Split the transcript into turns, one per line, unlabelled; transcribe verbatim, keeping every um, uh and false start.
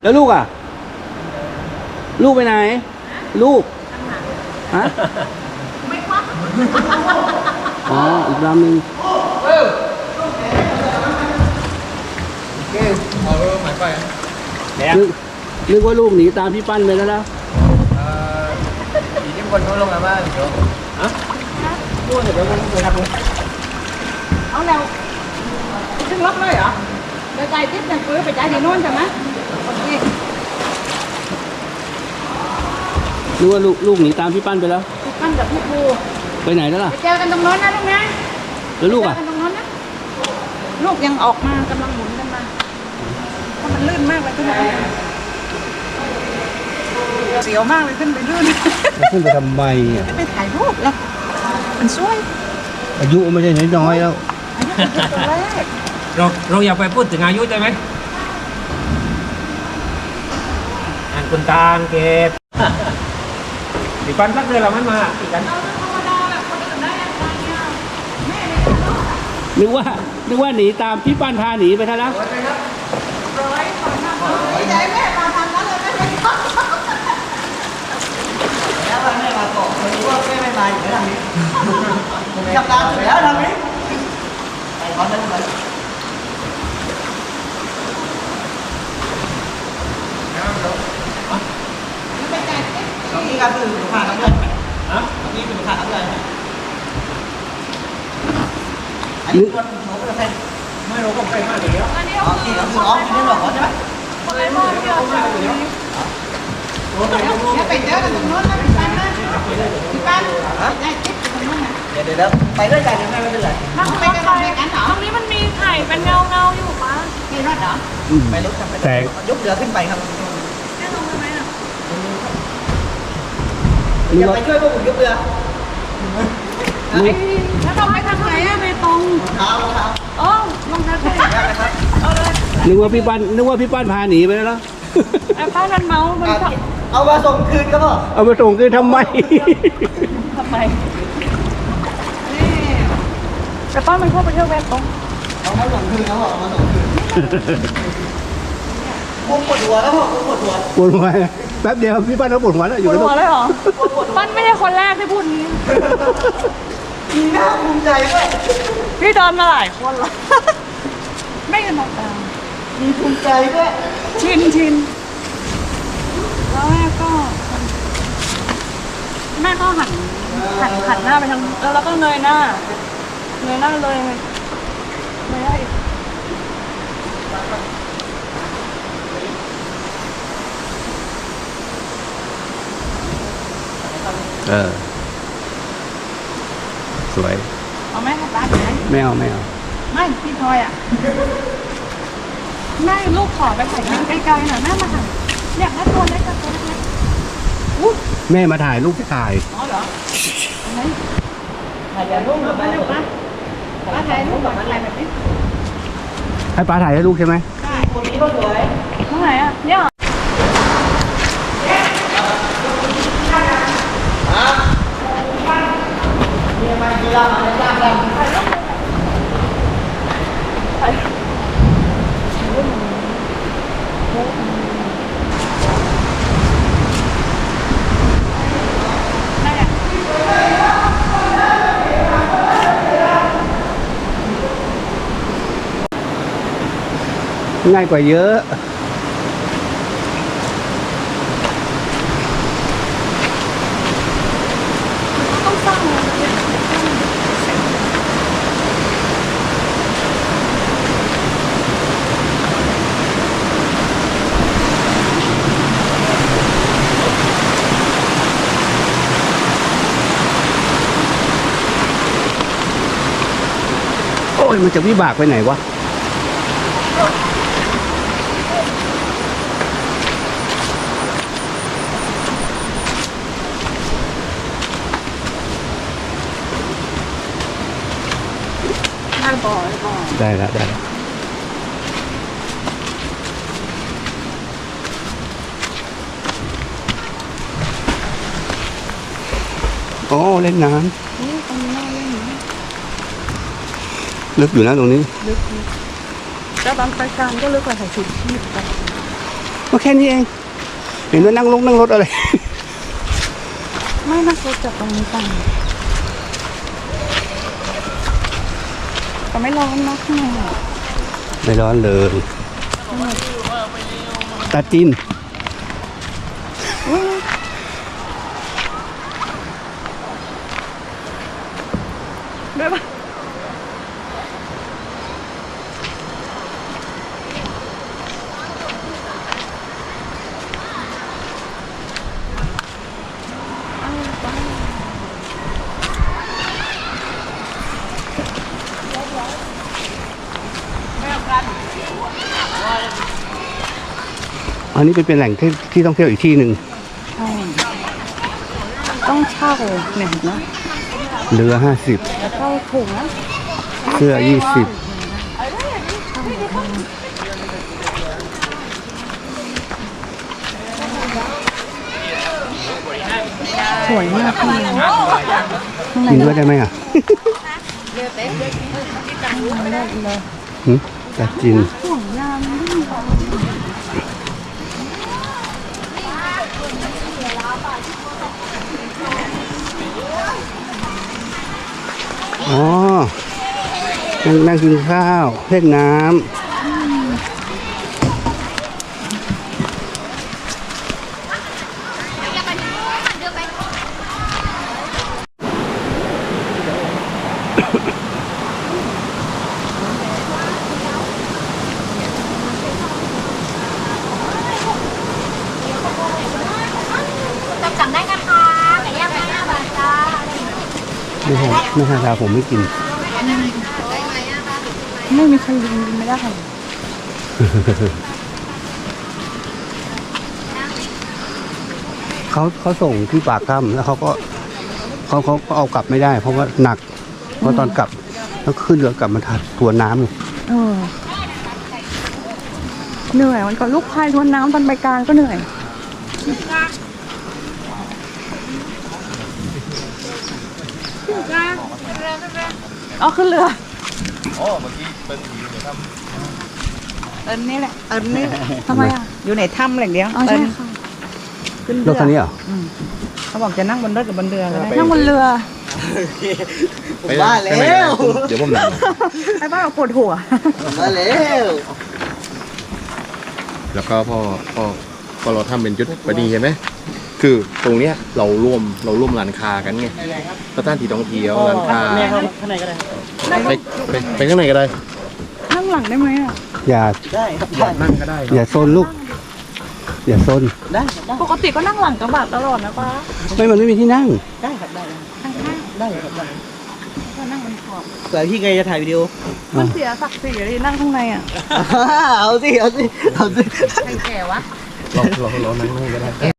แล้วลูกอ่ะลูกไปไหนลูกฮะไม่ควักอ๋ออีกลำหนึ่ง
เอาหมายไป
นึกนึกว่าลูกหนีตามพี่ปั้นไปแล้วนะ
อีกที่คนเขาลงมาบ้านเดี๋ยวฮะพูดเดี๋ยวมันจะทำ
เอาแล้วขึ้นรถเลยเหรอเดี๋ยวใจทิพย์จะซื้อไปใจที่โน่นใช่ไหมนี่
นึกว่าลูกลูกหนีตามพี่ปั้นไปแล้ว
พี่ปั้นกับพี่ครู
ไปไหนแล้วล่ะ
ไปเจอกันตรงโน้นนะลูกนะ
แล้วลูกอ่ะ
เจอกันตรงโน้นนะลูกยังออกมากำลังหมุนกันมาเพราะมันลื่นมากเลยขึ้นไปเสียวมากเลยขึ้นไปลื่น
ขึ้นไปทำไมอ่ะ
ขึ้นไปถ่ายรูปแล้วมันสวย
อายุไม่ใช่น้อยๆแล้ว
อายุตัวแรก
เราเราอยากไปพูดถึงอายุใช่ไหมอ่านคุณตาเก็บดิปันสักเดือนเราไม่มาตีกัน
นึกว่านึกว่าหนีตามพี่ปั้นพาหนีไปท่าแล้ว
ใจแม่มาทำนั้นเลยแม่ไม่ชอบ
แล้วแม่มาบอกเลยว่าแม่ไม่มาอยู่แล้วทางนี้จับตาอยู่แล้วทางนี้ไปขอเดินไปตรงนี้ก็คือผ่านกันด้วยฮะตรงนี้คือผ่านกันด้วยอันนี้ตัวหนูจะเป็น
ไม่รู้ผมไปมาเดี๋ยว
อ๋อที่เราคืออ๋อที่นี่หรอใช่ไหม
คนไรมองเดียวเดี๋ยวไปเจอกันตรงโน้นนะพี่ปั้นนะพี่ปั้นใจทิพย์ตรงโน้นนะ
เดี๋ยวเดี๋ยวไปด้วยกันยังไงไม่เป็นไร
นั่งไปกันด้วยกันเหรอตรงนี้มันมีไข่เป็นเงาเงาอยู่ปะมีรถเหรอ
ไปรถทำไปยกเรือขึ้นไปครับ
แค่ลงไปไหมอ่ะ
อย่าไปช่วยพวกผมยกเรือ
แล้วต้องไปทางไหนอะเบตง
เท้ารองเท้า
อ๋อลงทางไหนเอาเลย
นึกว่าพี่ปั้นนึกว่าพี่ปั้นพาหนีไปแล้ว
ไอ้ป้านั้นเมามัน
เอามาส่งคืนก็พอ
เอามาส่งคืนทำไม
ทำไมนี่แต่ป้ามันเข้าไปเที่ยวเบตง
เอามาส่งคืนก็พอเอามาส่งคืนผมปวดหัวแล้วพ่อผมปวดหัว
ปวดหัวแป๊บเดียวพี่ปั้นเขาปวดหัวแล้วอยู่
ปวดหัวเลยเหรอปั้นไม่ใช่คนแรกที่พูดนี้
มีหน้าภูมิใจด้วย
พี่เดินมาหลายคนแล้วไม่กันมองตา
มีภูมิใจด้วย
ชินชินแล้วแม่ก็แม่ก็หันหันหันหน้าไปทางแล้วเราก็เงยหน้าเงยหน้าเลยไม่ได้
เออสวย
เอาแม่ให้ร้านไหน
ไม่เอาไม่เอา
ไม่พี่พลอยอ่ะแม่ลูกขอไปถ่ายรูปไกลๆหน่อยแม่มาถ่ายเนี่ยแม่ตัวเล็กกับตัวเล็ก
แม่มาถ่ายรูปถ่าย
อ๋อเหรอไหนถ่ายรูปแบบนี้ป้าป้าถ่ายรูปแบบอะไรแบบนี้
ให้ป้าถ่ายให้ลูกใช่ไหม
ใช่คนนี้ก็สวยตรงไหนอ่ะเนี่ย
กีฬาอะไรบ้างกัน
ง่ายกว่าเยอะ
ต้องสร้าง
โอ้ยมันจะวิบากไปไหนวะได้แล้วได้โอ้เล่นน้ำลึกอยู่นะตรงนี้
ลึกแล้วบางรายการก็ลึกกว่าใส่ชุดชีพกัน
ก็แค่นี้เองเห็นว่านั่งลงนั่งรถอะไร
ไม่น่าจะจากตรงนี้ไปแต่ไม่ร้อนนะข้างในอะ
ไม่ร้อนเลยตาจิน
อุ๊ยด้วยปะ
อันนี้เป็นเป็นแหล่งที่ที่ต้องเที่ยวอีกที่หนึ่ง
ใช่ต้องเช่าเนี่ยเห็นไหม
เรือห้าสิบ
เช่าถุงนะ
เสื้อยี่สิบ
สวยมากข้างในข้างใน
กินด้วยได้ไหมอ่ะหึตาจิน
ห่วงยามดิ้น
อ๋อนั่งนั่งกินข้าวเล่นน้ำ
สั่งได้นะคะไก่ย่างไก่ห้าบาทจ้า
ไม่ใช่ไม่ใช่ชาผมไม่กิน
ไม่มีใครยิงไม่ได้
เขาเขาส่งที่ปากถ้ำแล้วเขาก็เขาเขาก็เอากลับไม่ได้ เพราะว่าหนักเพราะตอนกลับต้องขึ้นเรือกลับมาทัดตัวน้ำอยู่
เออเหนื่อยมันก็ลูกพายทวนน้ำตอนไปกลางก็เหนื่อยอ๋อขึ้นเรืออ๋อเมื่อกี้เติ้ลอยู่ในถ้ำเติ้ลนี่แหละเติ้ลนี่แหละทำไมอ่ะอยู่ในถ้ำอะไรอย่างเดียวอ๋อใช่ค่ะขึ้น
ร
เรื
ถคันนี้เหรอ
เขาบอกจะนั่งบนรถกับบนเรือก็ได้นั่งบนเรือ
ผมว่าแล้ว
เดี๋ยวผมนั่ง
ไอ้บ้าปวดหัว
ผมว่าแล้ว
แล้วก็พอพอพอเราทำเป็นจุดประดีใช่ไหมคือตรงเนี้ยเราร่วมเราร่วมร้านค้ากันไงสถานที่ท่องเที่ยวร้านค้า
ข้างในก็ได้
ไปไปไปข้างในก็ได้
นั่งหลังได้ไหมอ่ะ
อย่า
ได้ครับได้
นั่งก็ได้
อย่าโซนลูก อย่าโซน
ได้ครับได้
ปกติก็นั่งหลังกระบะตลอดนะป้า
ไม่มันไม่มีที่นั่ง
ได้ครับได้ได้ครับได้
ก็นั่งบนขอบ
เผื่อพี่ไงจะถ่ายวิดีโอ
มันเสียศักดิ์ศรีเลยนั่งข้างในอ่ะ
เอาสิเอาสิเอาสิ
ใครแก่วะ
เราเราเรานั่งนั่งก็ได้